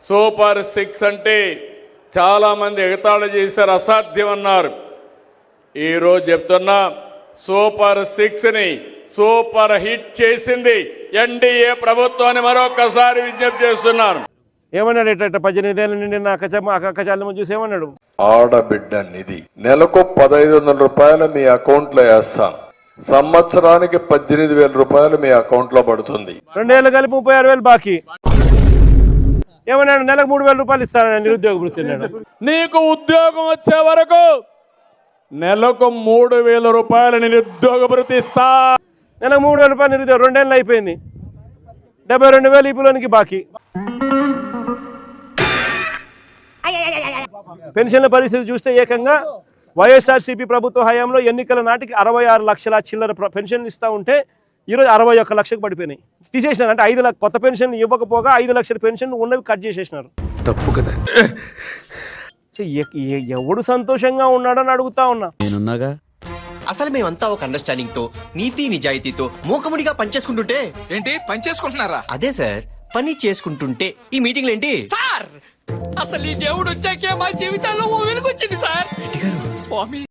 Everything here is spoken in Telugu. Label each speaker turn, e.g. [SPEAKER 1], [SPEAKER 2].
[SPEAKER 1] సూపర్ 6 అంటే చాలా మంది ఎగతాళి చేశారు, అసాధ్యం అన్నారు. ఈరోజు చెప్తున్నా సూపర్ 6ని సూపర్ హిట్ చేసింది ఎన్డీఏ ప్రభుత్వాన్ని మరొకసారి విజ్ఞప్తి చేస్తున్నాను.
[SPEAKER 2] ఏమన్నాడు? ఎట్ట 18 ఏళ్ళ నుండి నా అక్కచాలను చూసి ఏమన్నాడు?
[SPEAKER 3] ఆడబిడ్డ నిధి నెలకు 1500 రూపాయలు మీ అకౌంట్ లో వేస్తాను, సంవత్సరానికి 18,000 రూపాయలు మీ అకౌంట్ లో పడుతుంది.
[SPEAKER 2] 2 ఏళ్ళు కలిపి 36,000 బాకీ. ఏమన్నాడు? నెలకు 3,000 రూపాయలు ఇస్తానని నిరుద్యోగ వృత్తి.
[SPEAKER 1] నీకు ఉద్యోగం వచ్చే వరకు నెలకు 3,000 రూపాయలు నిరుద్యోగ భృతి ఇస్తా.
[SPEAKER 2] నెలకు 3,000 రూపాయలు నిరుద్యోగం. 2 ఏళ్ళు అయిపోయింది. 72,000 ఈపులోనికి బాకీ. పెన్షన్ల పరిస్థితి చూస్తే ఏకంగా వైఎస్ఆర్సీపీ ప్రభుత్వ హయాంలో ఎన్నికల నాటికి 66 లక్షల చిల్లర పెన్షన్లు ఇస్తూ ఉంటే ఈరోజు 61 లక్షకు పడిపోయినాయి. తీసేసినారు. అంటే 5 లక్షల కొత్త పెన్షన్ ఇవ్వకపోగా 5 లక్షల పెన్షన్ ఉన్నవి కట్ చేసేసినారు.
[SPEAKER 4] తప్పు కదా.
[SPEAKER 2] ఎవడు సంతోషంగా ఉన్నాడని అడుగుతా ఉన్నా.
[SPEAKER 5] నేనున్నాగా.
[SPEAKER 6] అసలు మేమంతా ఒక అండర్స్టాండింగ్ తో నీతి నిజాయితీతో మూకముడిగా పనిచేసుకుంటుంటే.
[SPEAKER 4] ఏంటి పని చేసుకుంటున్నారా?
[SPEAKER 6] అదే సార్, పని చేసుకుంటుంటే ఈ మీటింగ్లు ఏంటి
[SPEAKER 4] సార్? అసలు ఈ దేవుడు వచ్చాకే మా జీవితాల్లో ఓ వెలుగు వచ్చింది సార్. స్వామి